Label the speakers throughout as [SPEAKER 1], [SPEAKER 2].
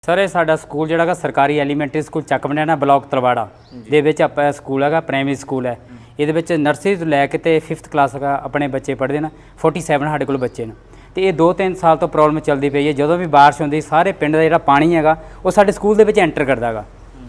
[SPEAKER 1] Sir ਇਹ ਸਾਡਾ school ਜਿਹੜਾ ਹੈਗਾ ਸਰਕਾਰੀ ਐਲੀਮੈਂਟਰੀ ਸਕੂਲ ਚੱਕ ਬਣਿਆਣਾ ਬਲਾਕ ਤਲਵਾੜਾ ਦੇ ਵਿੱਚ ਆਪਾਂ ਸਕੂਲ ਹੈਗਾ ਪ੍ਰਾਇਮਰੀ ਸਕੂਲ ਹੈ। ਇਹਦੇ ਵਿੱਚ ਨਰਸਰੀ ਤੋਂ ਲੈ ਕੇ ਤੇ 5th ਕਲਾਸ ਤੱਕ ਆਪਣੇ ਬੱਚੇ ਪੜ੍ਹਦੇ ਨੇ। 47 ਸਾਡੇ ਕੋਲ ਬੱਚੇ ਨੇ ਤੇ ਇਹ 2-3 ਸਾਲ ਤੋਂ ਪ੍ਰੋਬਲਮ ਚੱਲਦੀ ਪਈ ਹੈ। ਜਦੋਂ ਵੀ ਬਾਰਿਸ਼ ਹੁੰਦੀ ਸਾਰੇ ਪਿੰਡ ਦਾ ਜਿਹੜਾ ਪਾਣੀ ਹੈਗਾ ਉਹ ਸਾਡੇ ਸਕੂਲ ਦੇ ਵਿੱਚ ਐਂਟਰ ਕਰਦਾ ਹੈਗਾ।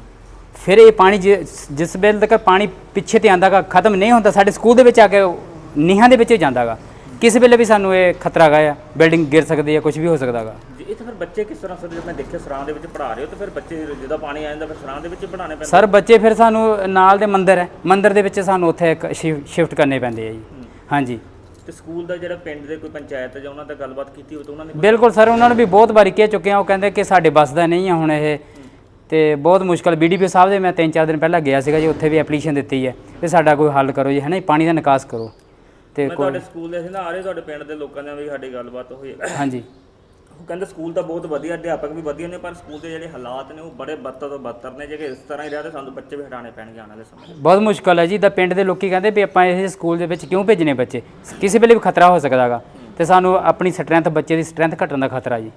[SPEAKER 1] ਫਿਰ ਇਹ ਪਾਣੀ ਜਿਸ ਵੇਲੇ ਤੱਕ ਪਾਣੀ ਪਿੱਛੇ ਤੇ ਆਉਂਦਾ ਗਾ ਖਤਮ ਨਹੀਂ ਹੁੰਦਾ ਸਾਡੇ ਸਕੂਲ ਦੇ ਵਿੱਚ ਆ ਕੇ ਨੀਹਾਂ ਦੇ ਵਿੱਚ ਜਾਂਦਾ ਗਾ। ਕਿਸੇ ਵੇਲੇ ਵੀ ਸਾਨੂੰ ਇਹ ਖਤਰਾ ਹੈਗਾ, ਬਿਲਡਿੰਗ ਗਿਰ ਸਕਦੀ ਹੈ, ਕੁਝ ਵੀ ਹੋ ਸਕਦਾ ਹੈਗਾ।
[SPEAKER 2] ਇਹ ਤਾਂ ਫਿਰ ਬੱਚੇ ਕਿਸ ਤਰ੍ਹਾਂ ਜਦ ਮੈਂ ਦੇਖਿਆ ਸਰਾਂ ਦੇ ਵਿੱਚ ਪੜ੍ਹਾ ਰਹੇ ਹੋ ਤਾਂ ਫਿਰ ਬੱਚੇ ਜਦੋਂ ਪਾਣੀ ਆ ਜਾਂਦਾ ਫਿਰ ਸਰਾਂ ਦੇ ਵਿੱਚ ਬਣਾਉਣੇ ਪੈਂਦੇ
[SPEAKER 1] ਸਰ ਬੱਚੇ ਫਿਰ ਸਾਨੂੰ ਨਾਲ ਦੇ ਮੰਦਿਰ ਹੈ, ਮੰਦਿਰ ਦੇ ਵਿੱਚ ਸਾਨੂੰ ਉੱਥੇ ਇੱਕ ਸ਼ਿਫਟ ਕਰਨੇ ਪੈਂਦੇ ਆ ਜੀ। ਹਾਂਜੀ
[SPEAKER 2] ਤੇ ਸਕੂਲ ਦਾ ਜਿਹੜਾ ਪਿੰਡ ਦੇ ਕੋਈ ਪੰਚਾਇਤ ਜਾਂ ਉਹਨਾਂ ਦਾ ਗੱਲਬਾਤ ਕੀਤੀ ਹੋ ਤਾਂ ਉਹਨਾਂ ਨੇ
[SPEAKER 1] ਬਿਲਕੁਲ ਸਰ ਉਹਨਾਂ ਨੂੰ ਵੀ ਬਹੁਤ ਵਾਰੀ ਕਹਿ ਚੁੱਕੇ ਆ। ਉਹ ਕਹਿੰਦੇ ਕਿ ਸਾਡੇ ਬੱਸ ਦਾ ਨਹੀਂ ਆ ਹੁਣ ਇਹ ਤੇ ਬਹੁਤ ਮੁਸ਼ਕਲ। BDPO ਸਾਹਿਬ ਦੇ ਮੈਂ 3-4 ਦਿਨ ਪਹਿਲਾਂ ਗਿਆ ਸੀਗਾ ਜੀ, ਉੱਥੇ ਵੀ ਐਪਲੀਕੇਸ਼ਨ ਦਿੱਤੀ ਹੈ ਕਿ ਸਾਡਾ ਕੋਈ ਹੱਲ ਕਰੋ ਜੀ, ਹੈ ਨਾ, ਪਾਣੀ ਦਾ ਨਿਕਾਸ ਕਰੋ। ਤੇ
[SPEAKER 2] ਤੁਹਾਡੇ ਸਕੂਲ ਦੇ ਸੀ ਨਾ ਆ ਰਹੇ ਤੁਹਾਡੇ ਪਿੰਡ ਦੇ ਲੋਕਾਂ ਨਾਲ ਵੀ ਸਾਡੀ ਗੱਲਬਾਤ ਹੋਈ।
[SPEAKER 1] ਹਾਂਜੀ
[SPEAKER 2] ਉਹ ਕਹਿੰਦੇ ਸਕੂਲ ਤਾਂ ਬਹੁਤ ਵਧੀਆ, ਅਧਿਆਪਕ ਵੀ ਵਧੀਆ ਨੇ, ਪਰ ਸਕੂਲ ਦੇ ਜਿਹੜੇ ਹਾਲਾਤ ਨੇ ਉਹ ਬੜੇ ਬੱਤਰ ਤੋਂ ਬੱਤਰ ਨੇ। ਜੇ ਇਸ ਤਰ੍ਹਾਂ ਹੀ ਰਿਹਾ ਤਾਂ ਸਾਨੂੰ ਬੱਚੇ ਵੀ ਹਟਾਉਣੇ ਪੈਣਗੇ ਆਉਣ ਵਾਲੇ ਸਮੇਂ।
[SPEAKER 1] ਬਹੁਤ ਮੁਸ਼ਕਲ ਹੈ ਜੀ। ਤਾਂ ਪਿੰਡ ਦੇ ਲੋਕੀ ਕਹਿੰਦੇ ਵੀ ਆਪਾਂ ਇਹ ਸਕੂਲ ਦੇ ਵਿੱਚ ਕਿਉਂ ਭੇਜਣੇ ਬੱਚੇ, ਕਿਸੇ ਵੇਲੇ ਵੀ ਖਤਰਾ ਹੋ ਸਕਦਾ ਹੈਗਾ ਤੇ ਸਾਨੂੰ ਆਪਣੀ ਸਟਰੈਂਥ, ਬੱਚੇ ਦੀ ਸਟਰੈਂਥ ਘਟਣ ਦਾ ਖਤਰਾ ਜੀ।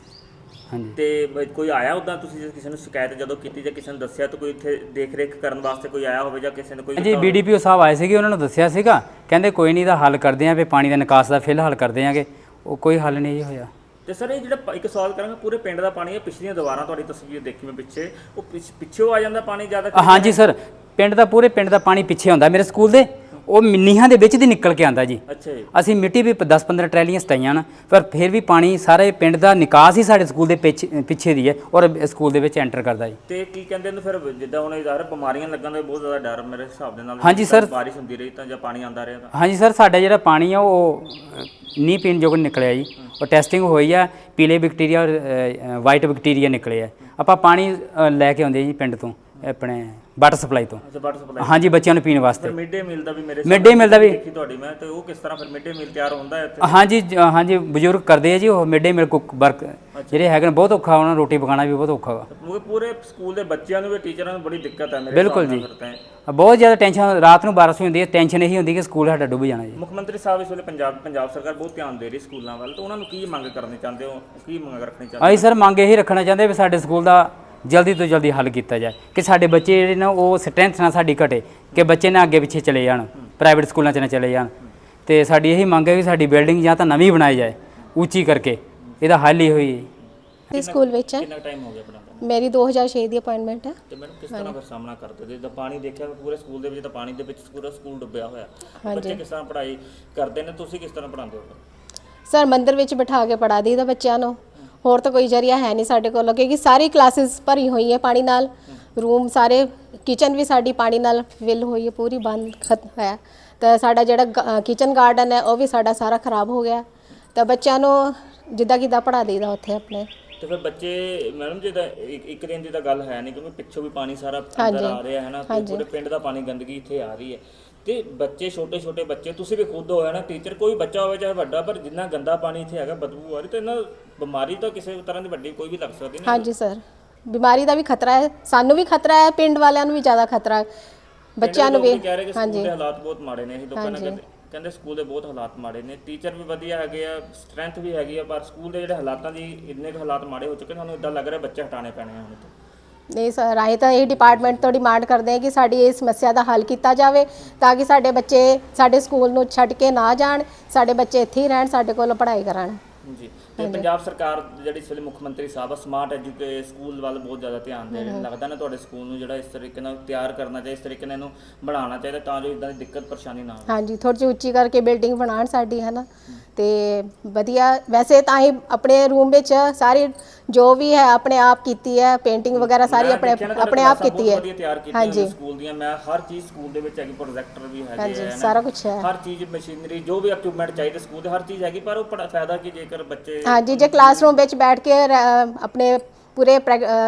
[SPEAKER 1] ਹਾਂਜੀ
[SPEAKER 2] ਤੇ ਕੋਈ ਆਇਆ ਉੱਦਾਂ ਤੁਸੀਂ ਜੇ ਕਿਸੇ ਨੂੰ ਸ਼ਿਕਾਇਤ ਜਦੋਂ ਕੀਤੀ ਜਾਂ ਕਿਸੇ ਨੂੰ ਦੱਸਿਆ ਤਾਂ ਕੋਈ ਇੱਥੇ ਦੇਖ ਰੇਖ ਕਰਨ ਵਾਸਤੇ ਕੋਈ ਆਇਆ ਹੋਵੇ ਜਾਂ ਕਿਸੇ ਨੇ ਕੋਈ?
[SPEAKER 1] ਜੀ BDPO ਸਾਹਿਬ ਆਏ ਸੀਗੇ, ਉਹਨਾਂ ਨੂੰ ਦੱਸਿਆ ਸੀਗਾ, ਕਹਿੰਦੇ ਕੋਈ ਨਹੀਂ ਦਾ ਹੱਲ ਕਰਦੇ ਆਂ ਵੀ ਪਾਣੀ ਦਾ ਨਿਕਾਸ ਦਾ ਫਿਲਹਾਲ ਕਰਦੇ ਆਂਗੇ। ਉਹ ਕੋਈ ਹੱਲ ਨਹੀਂ ਹੋਇਆ।
[SPEAKER 2] ਤੇ ਸਰ ਇਹ ਜਿਹੜਾ ਇੱਕ ਸਵਾਲ ਕਰਾਂਗਾ, ਪੂਰੇ ਪਿੰਡ ਦਾ ਪਾਣੀ ਹੈ, ਪਿਛਲੀਆਂ ਦੀਵਾਰਾਂ ਤੁਹਾਡੀ ਤਸਵੀਰ ਦੇਖੀ ਮੈਂ ਪਿੱਛੇ, ਉਹ ਪਿੱਛੋਂ ਆ ਜਾਂਦਾ ਪਾਣੀ ਜ਼ਿਆਦਾ?
[SPEAKER 1] ਹਾਂਜੀ ਸਰ ਪੂਰੇ ਪਿੰਡ ਦਾ ਪਾਣੀ ਪਿੱਛੇ ਆਉਂਦਾ ਮੇਰੇ ਸਕੂਲ ਦੇ, ਉਹ ਨੀਹਾਂ ਦੇ ਵਿੱਚ ਦੀ ਨਿਕਲ ਕੇ ਆਉਂਦਾ ਜੀ।
[SPEAKER 2] ਅੱਛਾ ਜੀ।
[SPEAKER 1] ਅਸੀਂ ਮਿੱਟੀ ਵੀ 10-15 ਟਰੈਲੀਆਂ ਸਟਾਈਆਂ ਨਾ, ਪਰ ਫਿਰ ਵੀ ਪਾਣੀ ਸਾਰੇ ਪਿੰਡ ਦਾ ਨਿਕਾਸ ਹੀ ਸਾਡੇ ਸਕੂਲ ਦੇ ਪਿੱਛੇ ਦੀ ਹੈ ਔਰ ਸਕੂਲ ਦੇ ਵਿੱਚ ਐਂਟਰ ਕਰਦਾ ਜੀ।
[SPEAKER 2] ਤੇ ਕੀ ਕਹਿੰਦੇ ਨੇ ਫਿਰ ਜਿੱਦਾਂ ਹੁਣ ਇਧਰ ਬਿਮਾਰੀਆਂ ਲੱਗਣ ਦਾ ਬਹੁਤ ਜ਼ਿਆਦਾ ਡਰ ਮੇਰੇ ਹਿਸਾਬ ਦੇ ਨਾਲ?
[SPEAKER 1] ਹਾਂਜੀ ਸਰ
[SPEAKER 2] ਬਾਰਿਸ਼ ਹੁੰਦੀ ਰਹੀ ਤਾਂ ਜਾਂ ਪਾਣੀ ਆਉਂਦਾ ਰਿਹਾ ਤਾਂ?
[SPEAKER 1] ਹਾਂਜੀ ਸਰ ਸਾਡਾ ਜਿਹੜਾ ਪਾਣੀ ਆ ਉਹ ਨਹੀਂ ਪੀਣ ਯੋਗ ਨਿਕਲਿਆ ਜੀ। ਉਹ ਟੈਸਟਿੰਗ ਹੋਈ ਆ, ਪੀਲੇ ਬੈਕਟੀਰੀਆ ਔਰ ਵਾਈਟ ਬੈਕਟੀਰੀਆ ਨਿਕਲੇ ਆ। ਆਪਾਂ ਪਾਣੀ ਲੈ ਕੇ ਆਉਂਦੇ ਜੀ ਪਿੰਡ ਤੋਂ, ਆਪਣੇ ਵਾਟਰ ਸਪਲਾਈ ਤੋਂ।
[SPEAKER 2] ਅੱਛਾ ਵਾਟਰ ਸਪਲਾਈ।
[SPEAKER 1] ਹਾਂਜੀ ਬੱਚਿਆਂ ਨੂੰ ਪੀਣ ਵਾਸਤੇ।
[SPEAKER 2] ਮਿਡ ਡੇ ਮੀਲ ਦਾ ਵੀ ਮੇਰੇ
[SPEAKER 1] ਮਿਡ ਡੇ ਮੀਲ ਦਾ ਵੀ
[SPEAKER 2] ਦੇਖੀ ਤੁਹਾਡੀ ਮੈਂ, ਤੇ ਉਹ ਕਿਸ ਤਰ੍ਹਾਂ ਫਿਰ ਮਿਡ ਡੇ ਮੀਲ ਤਿਆਰ ਹੁੰਦਾ ਹੈ ਇੱਥੇ?
[SPEAKER 1] ਹਾਂਜੀ ਬਜ਼ੁਰਗ ਕਰਦੇ ਆ ਜੀ ਉਹ mid day meal cook work ਜਿਹੜੇ ਹੈਗੇ ਨੇ। ਬਹੁਤ ਔਖਾ ਉਹਨਾਂ ਨੂੰ ਰੋਟੀ ਪਕਾਉਣਾ ਵੀ ਬਹੁਤ ਔਖਾ ਵਾ।
[SPEAKER 2] ਪੂਰੇ ਸਕੂਲ ਦੇ ਬੱਚਿਆਂ ਨੂੰ ਵੀ ਟੀਚਰਾਂ ਨੂੰ ਬੜੀ ਦਿੱਕਤ ਹੈ ਮੇਰੇ
[SPEAKER 1] ਬਿਲਕੁਲ ਜੀ, ਬਹੁਤ ਜ਼ਿਆਦਾ ਟੈਨਸ਼ਨ। ਰਾਤ ਨੂੰ 12 ਵਜੇ ਹੁੰਦੀ ਹੈ, ਟੈਨਸ਼ਨ ਇਹੀ ਹੁੰਦੀ ਕਿ ਸਕੂਲ ਸਾਡਾ ਡੁੱਬ ਜਾਣਾ ਜੀ।
[SPEAKER 2] ਮੁੱਖ ਮੰਤਰੀ ਸਾਹਿਬ ਇਸ ਵੇਲੇ ਪੰਜਾਬ ਸਰਕਾਰ ਬਹੁਤ ਧਿਆਨ ਦੇ ਰਹੀ ਸਕੂਲਾਂ ਵੱਲ, ਤਾਂ ਉਹਨਾਂ ਨੂੰ ਕੀ ਮੰਗ ਕਰਨੀ ਚਾਹੁੰਦੇ ਹੋ, ਕੀ ਮੰਗ ਰੱਖਣੀ ਚਾਹੁੰਦੇ?
[SPEAKER 1] ਅਸੀਂ ਸਰ ਮੰਗ ਇਹੀ ਰੱਖਣਾ ਚਾਹੁੰਦੇ ਵੀ ਸਾਡੇ ਸਕੂਲ ਦਾ ਜਲਦੀ ਤੋਂ ਜਲਦੀ ਹੱਲ ਕੀਤਾ ਜਾਏ ਕਿ ਸਾਡੇ ਬੱਚੇ ਜਿਹੜੇ ਨੇ ਉਹ ਸਟਰੈਂਥ ਨਾਲ ਸਾਡੀ ਘਟੇ, ਕਿ ਬੱਚੇ ਨਾ ਅੱਗੇ ਪਿੱਛੇ ਚਲੇ ਜਾਣ, ਪ੍ਰਾਈਵੇਟ ਸਕੂਲਾਂ 'ਚ ਨਾ ਚਲੇ ਜਾਣ। ਤੇ ਸਾਡੀ ਇਹੀ ਮੰਗ ਹੈ ਕਿ ਸਾਡੀ ਬਿਲਡਿੰਗ ਜਾਂ ਤਾਂ ਨਵੀਂ ਬਣਾਈ ਜਾਏ ਉੱਚੀ ਕਰਕੇ, ਇਹਦਾ ਹੱਲ ਹੀ ਹੋਈ।
[SPEAKER 3] ਸਕੂਲ ਵਿੱਚ
[SPEAKER 2] ਕਿੰਨਾ ਟਾਈਮ ਹੋ ਗਿਆ ਪੜ੍ਹਾਉਂਦੇ?
[SPEAKER 3] ਮੇਰੀ 2006 ਦੀ ਅਪਾਇੰਟਮੈਂਟ ਹੈ।
[SPEAKER 2] ਤੇ ਮੈਨੂੰ ਕਿਸ ਤਰ੍ਹਾਂ ਫਿਰ ਸਾਹਮਣਾ ਕਰਦੇ ਜਿੱਦਾਂ ਪਾਣੀ ਦੇਖਿਆ ਪੂਰੇ ਸਕੂਲ ਦੇ ਵਿੱਚ, ਤਾਂ ਪਾਣੀ ਦੇ ਵਿੱਚ ਪੂਰਾ ਸਕੂਲ ਡੁੱਬਿਆ ਹੋਇਆ, ਬੱਚੇ ਕਿਸ ਤਰ੍ਹਾਂ ਪੜ੍ਹਾਈ ਕਰਦੇ ਨੇ, ਤੁਸੀਂ ਕਿਸ ਤਰ੍ਹਾਂ ਪੜ੍ਹਾਉਂਦੇ ਹੋ?
[SPEAKER 3] ਸਰ ਮੰਦਿਰ ਵਿੱਚ ਬਿਠਾ ਕੇ ਪੜ੍ਹਾ ਦਈਦਾ ਬੱਚਿਆਂ ਨੂੰ, ਹੋਰ ਤਾਂ ਕੋਈ ਜ਼ਰੀਆ ਹੈ ਨਹੀਂ ਸਾਡੇ ਕੋਲ, ਕਿਉਂਕਿ ਸਾਰੀ ਕਲਾਸਿਸ ਭਰੀ ਹੋਈ ਹੈ ਪਾਣੀ ਨਾਲ। ਰੂਮ ਸਾਰੇ, ਕਿਚਨ ਵੀ ਸਾਡੀ ਪਾਣੀ ਨਾਲ ਫਿਲ ਹੋਈ ਹੈ, ਪੂਰੀ ਬੰਦ ਖਤਮ ਹੈ। ਤਾਂ ਸਾਡਾ ਜਿਹੜਾ ਕਿਚਨ ਗਾਰਡਨ ਹੈ ਉਹ ਵੀ ਸਾਡਾ ਸਾਰਾ ਖਰਾਬ ਹੋ ਗਿਆ। ਤਾਂ ਬੱਚਿਆਂ ਨੂੰ ਜਿੱਦਾਂ ਕਿੱਦਾਂ ਪੜ੍ਹਾ ਦਈਦਾ ਉੱਥੇ ਆਪਣੇ। ਤੇ
[SPEAKER 2] ਫਿਰ ਬੱਚੇ ਮੈਡਮ ਜੀ ਦਾ ਇੱਕ ਦਿਨ ਦੀ ਤਾਂ ਗੱਲ ਹੈ ਨਹੀਂ, ਕਿਉਂਕਿ ਪਿੱਛੋਂ ਵੀ ਪਾਣੀ ਸਾਰਾ ਅੰਦਰ ਆ ਰਿਹਾ ਹੈ ਨਾ, ਤੇ ਪੂਰੇ ਪਿੰਡ ਦਾ ਪਾਣੀ ਗੰਦਗੀ ਇੱਥੇ ਆ ਰਹੀ ਹੈ। ਤੇ ਬੱਚੇ ਛੋਟੇ ਬੱਚੇ, ਤੁਸੀਂ ਵੀ ਖੁਦ ਹੋਇਆ ਨਾ ਟੀਚਰ, ਕੋਈ ਬੱਚਾ ਹੋਵੇ ਚਾਹੇ ਵੱਡਾ, ਪਰ ਜਿੰਨਾ ਗੰਦਾ ਪਾਣੀ ਇੱਥੇ ਹੈਗਾ, ਬਦਬੂ ਆ ਰਹੀ, ਤੇ ਇਹਨਾਂ ਬਿਮਾਰੀ ਤਾਂ ਕਿਸੇ ਤਰ੍ਹਾਂ ਦੀ ਵੱਡੀ ਕੋਈ ਵੀ ਲੱਗ ਸਕਦੀ ਨਹੀਂ?
[SPEAKER 3] ਹਾਂਜੀ ਸਰ ਬਿਮਾਰੀ ਦਾ ਵੀ ਖਤਰਾ ਹੈ, ਸਾਨੂੰ ਵੀ ਖਤਰਾ ਹੈ, ਪਿੰਡ ਵਾਲਿਆਂ ਨੂੰ ਵੀ ਜ਼ਿਆਦਾ ਖਤਰਾ ਹੈ, ਬੱਚਿਆਂ ਨੂੰ ਵੀ।
[SPEAKER 2] ਹਾਂਜੀ ਦੇ ਹਾਲਾਤ ਬਹੁਤ ਮਾੜੇ ਨੇ, ਇਹ ਲੋਕਾਂ ਨੇ ਕਹਿੰਦੇ ਸਕੂਲ ਦੇ ਬਹੁਤ ਹਾਲਾਤ ਮਾੜੇ ਨੇ। ਟੀਚਰ ਵੀ ਵਧੀਆ ਹੈਗੇ ਆ, ਸਟਰੈਂਥ ਵੀ ਹੈਗੀ ਆ, ਪਰ ਸਕੂਲ ਦੇ ਜਿਹੜੇ ਹਾਲਾਤਾਂ ਦੀ ਇੰਨੇ ਕੁ ਹਾਲਾਤ ਮਾੜੇ ਹੋ ਚੁੱਕੇ, ਸਾਨੂੰ ਇਦਾਂ ਲੱਗ ਰਿਹਾ ਬੱਚੇ ਹਟਾਉਣੇ ਪੈਣੇ ਆ ਹੁਣ ਤੋਂ।
[SPEAKER 3] ਨਹੀਂ ਸਰ ਅਸੀਂ ਤਾਂ ਇਹ ਡਿਪਾਰਟਮੈਂਟ ਤੋਂ ਡਿਮਾਂਡ ਕਰਦੇ ਹਾਂ ਕਿ ਸਾਡੀ ਇਹ ਸਮੱਸਿਆ ਦਾ ਹੱਲ ਕੀਤਾ ਜਾਵੇ, ਤਾਂ ਕਿ ਸਾਡੇ ਬੱਚੇ ਸਾਡੇ ਸਕੂਲ ਨੂੰ ਛੱਡ ਕੇ ਨਾ ਜਾਣ, ਸਾਡੇ ਬੱਚੇ ਇੱਥੇ ਹੀ ਰਹਿਣ, ਸਾਡੇ ਕੋਲ ਪੜ੍ਹਾਈ ਕਰਨ
[SPEAKER 2] ਜੀ। ਤੇ ਪੰਜਾਬ ਸਰਕਾਰ ਜਿਹੜੀ ਇਸ ਵੇਲੇ ਮੁੱਖ ਮੰਤਰੀ ਸਾਹਿਬ ਸਮਾਰਟ ਸਕੂਲ ਵੱਲ ਬਹੁਤ ਜ਼ਿਆਦਾ ਧਿਆਨ ਦੇ ਰਹੇ ਨੇ, ਲੱਗਦਾ ਨਾ ਤੁਹਾਡੇ ਸਕੂਲ ਨੂੰ ਜਿਹੜਾ ਇਸ ਤਰੀਕੇ ਨਾਲ ਤਿਆਰ ਕਰਨਾ ਚਾਹੀਦਾ, ਇਸ ਤਰੀਕੇ ਨਾਲ ਇਹਨੂੰ ਬਣਾਉਣਾ ਚਾਹੀਦਾ ਤਾਂ ਜੋ ਇਦਾਂ ਦੀ ਦਿੱਕਤ ਪਰੇਸ਼ਾਨੀ ਨਾ ਆਵੇ? ਹਾਂਜੀ
[SPEAKER 3] ਥੋੜ੍ਹੀ ਜਿਹੀ ਉੱਚੀ ਕਰਕੇ ਬਿਲਡਿੰਗ ਬਣਾਉਣ ਸਾਡੀ, ਹੈ ਨਾ, ਤੇ ਵਧੀਆ। ਵੈਸੇ ਤਾਂ ਹੀ ਆਪਣੇ ਰੂਮ ਵਿੱਚ ਸਾਰੀ ਜੋ ਵੀ ਹੈ ਆਪਣੇ ਆਪ ਕੀਤੀ ਹੈ, ਪੇਂਟਿੰਗ ਵਗੈਰਾ ਸਾਰੀ ਆਪਣੇ ਆਪ ਕੀਤੀ ਹੈ।
[SPEAKER 2] ਹਾਂਜੀ ਸਕੂਲ ਦੀਆਂ ਮੈਂ ਹਰ ਚੀਜ਼ ਸਕੂਲ ਦੇ ਵਿੱਚ ਹੈਗੀ, ਪ੍ਰੋਜੈਕਟਰ ਵੀ ਹੈਗੇ ਹੈ,
[SPEAKER 3] ਸਾਰਾ ਕੁਝ ਹੈ, ਹਰ
[SPEAKER 2] ਚੀਜ਼ ਮਸ਼ੀਨਰੀ ਜੋ ਵੀ ਇਕਵਿਪਮੈਂਟ ਚਾਹੀਦੇ ਸਕੂਲ ਦੇ ਹਰ ਚੀਜ਼ ਹੈਗੀ, ਪਰ ਉਹ ਫਾਇਦਾ ਕੀ ਜੇਕਰ ਬੱਚੇ
[SPEAKER 3] ਹਾਂਜੀ ਜੇ ਕਲਾਸਰੂਮ ਵਿੱਚ ਬੈਠ ਕੇ ਆਪਣੇ ਪੂਰੇ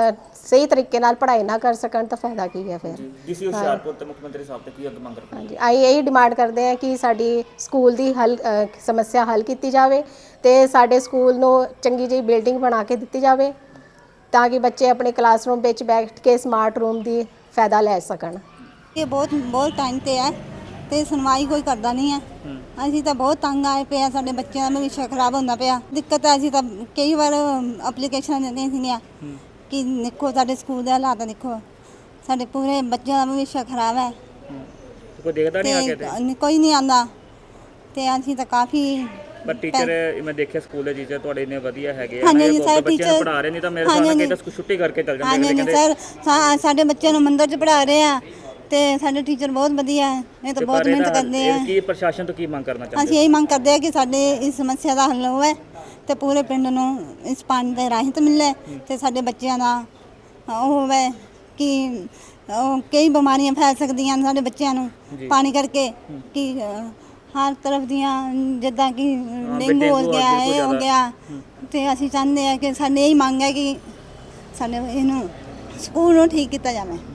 [SPEAKER 3] ਸਹੀ ਤਰੀਕੇ ਨਾਲ ਪੜ੍ਹਾਈ ਨਾ ਕਰ ਸਕਣ ਤਾਂ ਫਾਇਦਾ ਕੀ ਹੈ ਫਿਰ?
[SPEAKER 2] ਡੀਸੀ ਹੁਸ਼ਿਆਰਪੁਰ ਤੇ ਮੁੱਖ ਮੰਤਰੀ ਸਾਹਿਬ ਤੇ ਕੀ ਮੰਗ ਕਰਦੇ?
[SPEAKER 3] ਹਾਂਜੀ ਅਸੀਂ ਇਹੀ ਡਿਮਾਂਡ ਕਰਦੇ ਹਾਂ ਕਿ ਸਾਡੀ ਸਕੂਲ ਦੀ ਸਮੱਸਿਆ ਹੱਲ ਕੀਤੀ ਜਾਵੇ ਤੇ ਸਾਡੇ ਸਕੂਲ ਨੂੰ ਚੰਗੀ ਜਿਹੀ ਬਿਲਡਿੰਗ ਬਣਾ ਕੇ ਦਿੱਤੀ ਜਾਵੇ, ਤਾਂ ਕਿ ਬੱਚੇ ਆਪਣੇ ਕਲਾਸਰੂਮ ਵਿੱਚ ਬੈਠ ਕੇ ਸਮਾਰਟ ਰੂਮ ਦੀ ਫਾਇਦਾ ਲੈ ਸਕਣ।
[SPEAKER 4] ਇਹ ਬਹੁਤ ਟਾਈਮ ਤੇ ਹੈ ਤੇ ਸੁਣਵਾਈ ਕੋਈ ਕਰਦਾ ਨਹੀਂ ਹੈ। ਅਸੀਂ ਤਾਂ ਬਹੁਤ ਤੰਗ ਆਏ ਪਏ ਆ, ਸਾਡੇ ਬੱਚਿਆਂ ਦਾ ਭਵਿੱਖ ਖਰਾਬ ਹੁੰਦਾ ਪਿਆ। ਦਿੱਕਤ ਹੈ, ਅਸੀਂ ਤਾਂ ਕਈ ਵਾਰ ਐਪਲੀਕੇਸ਼ਨਾਂ ਦਿੰਦੀਆਂ ਸੀਗੀਆਂ ਕਿ ਦੇਖੋ ਸਾਡੇ ਸਕੂਲ ਦੇ ਹਾਲਾਤ ਦੇਖੋ, ਸਾਡੇ ਪੂਰੇ ਬੱਚਿਆਂ ਦਾ ਭਵਿੱਖ ਖਰਾਬ ਹੈ
[SPEAKER 2] ਕੋਈ ਦੇਖਦਾ ਨਹੀਂ ਆ ਕੇ ਤੇ
[SPEAKER 4] ਕੋਈ ਨਹੀਂ ਆਉਂਦਾ ਤੇ ਅਸੀਂ ਤਾਂ ਕਾਫੀ
[SPEAKER 2] ਪਰ ਟੀਚਰ ਮੈਂ ਦੇਖਿਆ ਸਕੂਲ ਦੇ ਟੀਚਰ ਤੁਹਾਡੇ ਇੰਨੇ ਵਧੀਆ ਹੈਗੇ ਆ
[SPEAKER 4] ਹਾਂਜੀ,
[SPEAKER 2] ਨਾ,
[SPEAKER 4] ਹਾਂਜੀ, ਸਾਰੇ
[SPEAKER 2] ਬੱਚਿਆਂ ਨੂੰ
[SPEAKER 4] teacher-
[SPEAKER 2] ਪੜ੍ਹਾ ਰਹੇ ਨਹੀਂ ਤਾਂ ਮੇਰੇ ਸਾਹਮਣੇ
[SPEAKER 4] ਹਾਂਜੀ,
[SPEAKER 2] ਕਿਤੇ ਛੁੱਟੀ ਕਰਕੇ ਚੱਲ ਜਾਂਦੇ
[SPEAKER 4] ਹਾਂਜੀ
[SPEAKER 2] ਕਹਿੰਦੇ
[SPEAKER 4] ਸਰ ਸਾਡੇ ਬੱਚਿਆਂ ਨੂੰ ਮੰਦਰ 'ਚ ਪੜ੍ਹਾ ਰਹੇ ਆ ਤੇ ਸਾਡੇ ਟੀਚਰ ਬਹੁਤ ਵਧੀਆ ਹੈ, ਇਹ ਤਾਂ ਬਹੁਤ ਮਿਹਨਤ ਕਰਦੇ ਆ।
[SPEAKER 2] ਕੀ ਪ੍ਰਸ਼ਾਸਨ ਤੋਂ ਕੀ ਮੰਗ ਕਰਨਾ ਚਾਹੁੰਦੇ
[SPEAKER 4] ਅਸੀਂ ਇਹੀ ਮੰਗ ਕਰਦੇ ਆ ਕਿ ਸਾਡੇ ਇਸ ਸਮੱਸਿਆ ਦਾ ਹੱਲ ਹੋਵੇ ਤੇ ਪੂਰੇ ਪਿੰਡ ਨੂੰ ਇਸ ਪਾਣੀ ਦੇ ਰਾਹਤ ਮਿਲੇ ਤੇ ਸਾਡੇ ਬੱਚਿਆਂ ਦਾ ਉਹ ਹੋਵੇ ਕਿ ਕਈ ਬਿਮਾਰੀਆਂ ਫੈਲ ਸਕਦੀਆਂ ਨੇ ਸਾਡੇ ਬੱਚਿਆਂ ਨੂੰ ਪਾਣੀ ਕਰਕੇ, ਕਿ ਹਰ ਤਰਫ ਦੀਆਂ ਜਿੱਦਾਂ ਕਿ ਡੇਂਗੂ ਹੋ ਗਿਆ, ਇਹ ਹੋ ਗਿਆ, ਤੇ ਅਸੀਂ ਚਾਹੁੰਦੇ ਆ ਕਿ ਸਾਡੇ ਇਹੀ ਮੰਗ ਹੈ ਕਿ ਸਾਡੇ ਇਹਨੂੰ ਸਕੂਲ ਨੂੰ ਠੀਕ ਕੀਤਾ ਜਾਵੇ।